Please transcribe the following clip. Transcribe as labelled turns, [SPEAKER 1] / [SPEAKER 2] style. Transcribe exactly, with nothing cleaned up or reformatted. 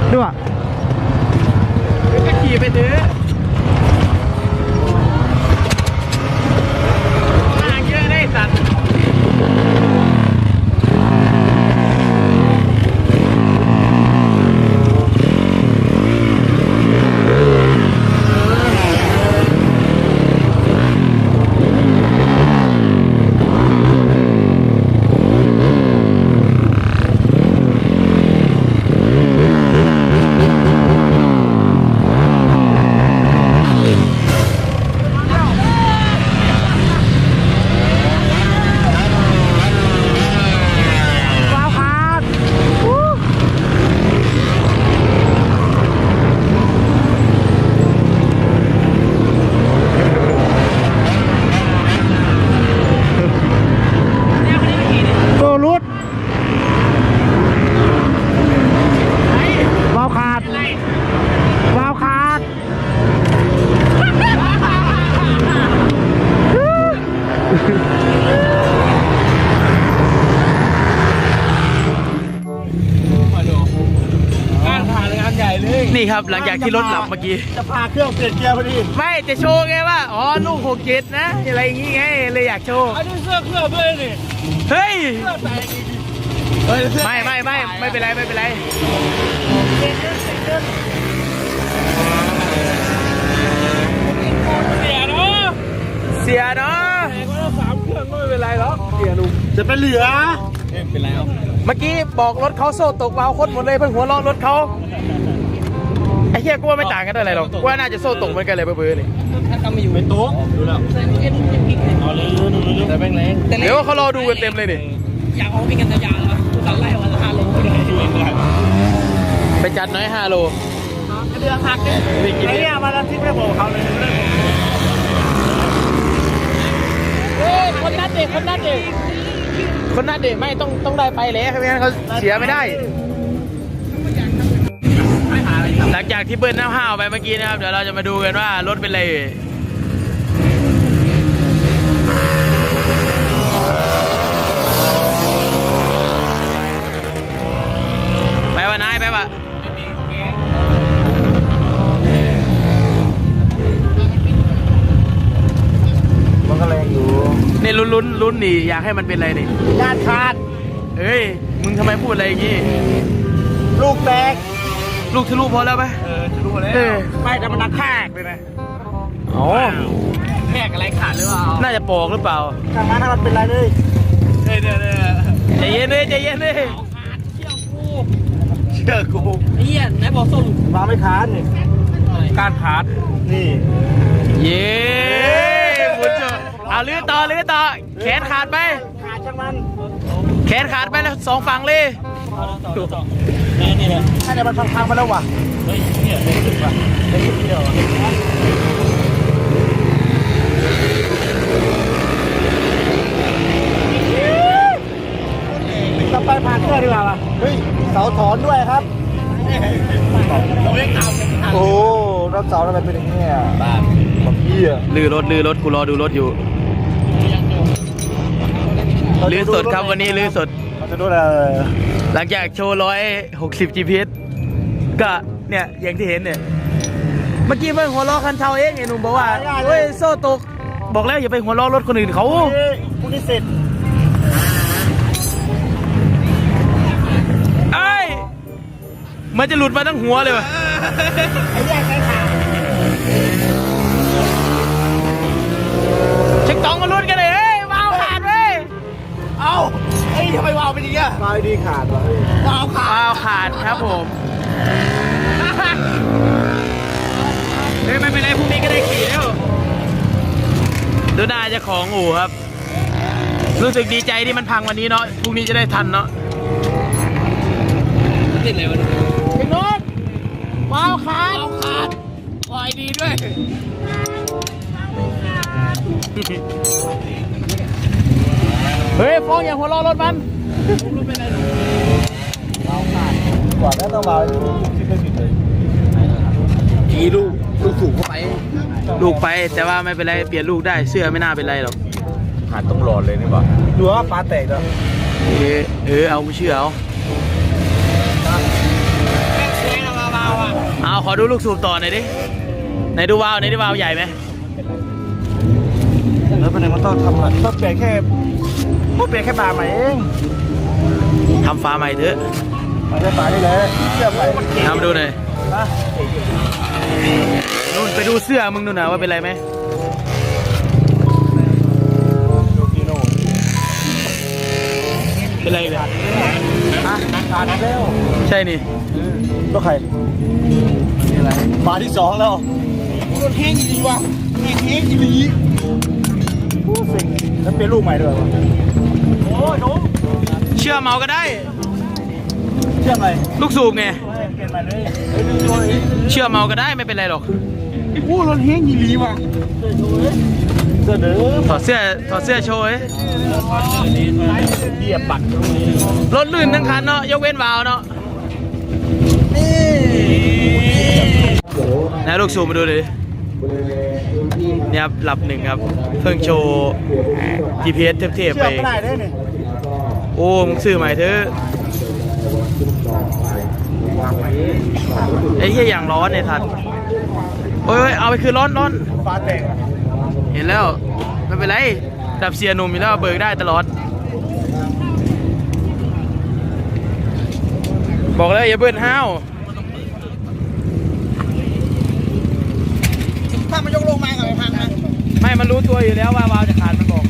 [SPEAKER 1] ด้วยก็ขี่ไปเถอะทางเยอะได้สัตว์นี่ครับหลังจากที่รถหลับเมื่อกี้
[SPEAKER 2] จะพาเครื่องเปลี่ยนเกียร์พอดี
[SPEAKER 1] ไม่จะโชว์ไงว่าอ๋อลูกหกเจ็ดนะอะไรอย่างงี้ไงเลยอยากโชว์
[SPEAKER 2] อันนี้เสื้อเครื่องด้วยนี่
[SPEAKER 1] เฮ้ย
[SPEAKER 2] เสื้อแตกอีก
[SPEAKER 1] ไม่ไม่ไม่ไม่เป็นไรไม่เป็นไร
[SPEAKER 2] เสียเนาะ
[SPEAKER 1] เสียเนาะ
[SPEAKER 2] แต่ก็สามเครื่องก็ไม่เป็นไรหรอกเสียลุงจะเป็นเหลือเป็นไรครับ
[SPEAKER 1] เมื่อกี้บอกรถเขาโซ่ตกวาวโคตรหมดเลยเพิ่งหัวล้อรถเขาไอ้เหี้ยกูว่าไม่ต่างกันเท่าไหร่หรอกกูว่าน่าจะโซ่ตกเหมือนกันเลยเบื่อๆนี่
[SPEAKER 2] ถ้าทำไม่อยู่ไม่โต๊ะดูแล้วเอาเลยดูดูแต่แม่งแรง
[SPEAKER 1] เดี๋ยวเขารอดูกันเต็มเลยนี่
[SPEAKER 2] อยากเอาไปกันยาวๆแล้วตัดไล่วันละห้าโล
[SPEAKER 1] ไปจัดน้อยห้าโล
[SPEAKER 2] เดือดหักเนี่ยไอ้เนี่ยมาแล้วที่ไม่บอกเขาเลย
[SPEAKER 1] เฮ้ยคนนัดเด็กคนนัดเด็กคนนัดเด็กไม่ต้องต้องได้ไปเลยไม่งั้นเขาเสียไม่ได้หลังจากที่เบิ้ลน้ำห้าวไปเมื่อกี้นะครับเดี๋ยวเราจะมาดูกันว่ารถเป็นไรไปวะนายไปวะ
[SPEAKER 2] มันก็แรงอยู่
[SPEAKER 1] นี่ลุ้นลุ้นลุ้นนี่อยากให้มันเป็นอะไรนี่
[SPEAKER 2] ด้านขาด
[SPEAKER 1] เฮ้ยมึงทำไมพูดอะไรอย่างงี้
[SPEAKER 2] ลูกแตก
[SPEAKER 1] ลูกทะลุพอแล้วไหม
[SPEAKER 2] เออทะลุแล้วไม่แต่มันนักแทกเลยนะ
[SPEAKER 1] อ๋อ
[SPEAKER 2] แทกอะไรขาดหรือเปล่า
[SPEAKER 1] น่าจะปอกหรือเปล่า
[SPEAKER 2] ทางนั้นมันเป็นไรเลยเฮ้ยเดี๋ยวเดี๋ยว
[SPEAKER 1] ใจเย็นเลยใจเย็นเลย
[SPEAKER 2] เชื่อกู
[SPEAKER 1] ไอ้เหี้ยไหนบอกส้ม
[SPEAKER 2] วางไม่ขาดนี่
[SPEAKER 1] การขาด
[SPEAKER 2] นี่
[SPEAKER 1] เย้บุญเจอเอาลื้อต่อลื้อต่อแขนขาดไป
[SPEAKER 2] ขาดช่างมัน
[SPEAKER 1] แขนขาดไปแล้วสองฝั่งเลย
[SPEAKER 2] นี่นี่แหละถ้าเดี๋ยวมันพังๆมาแล้วว่ะเฮ้ยเนี่ยเด็กสุดว่ะเด็กสุดเดียวต่อไปผ่านเครื่องดีกว่าป่ะเฮ้ยเสาถอนด้วยครับเราเล่นตามโอ้รถเสาทำไมเป็นอย่างนี้อ่ะบ้าของพี่อ่ะ
[SPEAKER 1] ลื้อรถลื้อรถกูรอดูรถอยู่ลื้อสดครับวันนี้ลื้อสด
[SPEAKER 2] จะดูอะไร
[SPEAKER 1] หลังจากโชว์ร้อยหกสิบ จี พี เอส ก็เนี่ยอย่างที่เห็นเนี่ยเมื่อกี้เพิ่งหัวล้อคันเทาเองไอ้หนุ่มบอกว่าเฮ้ยโซ่ตกบอกแล้วอย่าไปหัวล้อรถคนอื่นเขา
[SPEAKER 2] พวกนี้เสร็จ
[SPEAKER 1] ไอ้มันจะหลุดมาทั้งหัวเลยวะ
[SPEAKER 2] ไอ้แยกไอ้ขา
[SPEAKER 1] เช็คต้องมาลุ้นกันเลยเฮ้ยวาวขาดเว้ย
[SPEAKER 2] เอ้าไอ้ทำไมวาวเป็นอย่างนี้วาวดีขาดวะวาวขาด
[SPEAKER 1] วาวขาดครับผมเฮ้ยไม่เป็นไรพรุ่งนี้ก็ได้ขี่แล้วดูหน้าเจ้าของอู่ครับรู้สึกดีใจที่มันพังวันนี้เนาะพรุ่งนี้จะได้ทันเนาะ
[SPEAKER 2] ติดเลยวะ
[SPEAKER 1] พี่นุ๊กวาวขาด
[SPEAKER 2] วาวขาดปล่อยดีด้วย
[SPEAKER 1] เฮ้ยฟ้องอย่างหัวล้อรถมัน
[SPEAKER 2] วาวขาดกว่าแล้วต้องวาวที่ไม่ผิดเลยกี่ลูกลูกสูงเข้าไป
[SPEAKER 1] ลูกไปแต่ว่าไม่เป็นไรเปลี่ยนลูกได้เสื้อไม่น่าเป็นไรหรอก
[SPEAKER 2] ขาดต้องรอเลยนี่บ่ดูว่าปลาแตกแล้ว
[SPEAKER 1] เออเออเอาเชื่อเอาอดูลูกสูบต่อหน่อยดิไหนดูวาล์วไหนดูวาล์วใหญ่ไหม
[SPEAKER 2] แล้วเป็นไงมันต้องทำอะไรต้องเปลี่ยนแค่ต้องเปลี่ยนแค่บาร์ใหม่เอง
[SPEAKER 1] ทำฟ้าใหม่เถอะ
[SPEAKER 2] มันจะบาร์ได้เลยเสื้อใหม่
[SPEAKER 1] ทำดูหน่อย
[SPEAKER 2] นะ
[SPEAKER 1] นู่นไปดูเสื้อมึงดูหน่อยว่าเป็นไรไหม
[SPEAKER 2] ดูกิโน่
[SPEAKER 1] เป็นไรเลย
[SPEAKER 2] อ่ะขาดแล้ว
[SPEAKER 1] ใช่นี่
[SPEAKER 2] ก็ใครอะไรบาร์ที่สองแล้วรถแห้งดีว่ะแห้งแห้งดีผู้สิ่งแล้วเป็นลูกใหม่ด้วยวะโอ้ยหนู
[SPEAKER 1] เชื่อเมาก็ได้
[SPEAKER 2] เชื่อไหม
[SPEAKER 1] ลูกสูบไง
[SPEAKER 2] เปลี่ยนใหม่เลยเฮ้ยดูตัวเอง
[SPEAKER 1] เชื่อเมาก็ได้ไม่เป็นไรหรอก
[SPEAKER 2] ผู้รถแห้งดีว่ะเสื้อเดิม
[SPEAKER 1] ถอดเสื้อถอดเสื้อโชว์เอ้ย
[SPEAKER 2] เบียบปัด
[SPEAKER 1] รถลื่นทั้งคันเนาะยกเว้นวาล์วเนาะ
[SPEAKER 2] นี่
[SPEAKER 1] นะลูกสูบมาดูเลยเนี่ยครับหลับหนึ่งครับเพิ่งโชว์ จี พี เอส เทพๆ
[SPEAKER 2] เชื่
[SPEAKER 1] ไป
[SPEAKER 2] อไม่ได้เลยนี่
[SPEAKER 1] โอ้มึงซื้อใหม่เถอะไอ้เหี้ยอย่างร้อนเนี่ยทันโอ้ยเอาไปคืนร้อนร้อน
[SPEAKER 2] ฟ้าแตกอ่ะ
[SPEAKER 1] เห็นแล้วไม่เป็นไรดับเสียหนุ่มอยู่แล้วเบิกได้ตลอด บอกแล้วอย่าเบิ้ลห้าว
[SPEAKER 2] ถ้ามันยกลงมากับไอ้พังนะ
[SPEAKER 1] ไม่มันรู้ตัวอยู่แล้วว่าวาวจะขาดมันบอก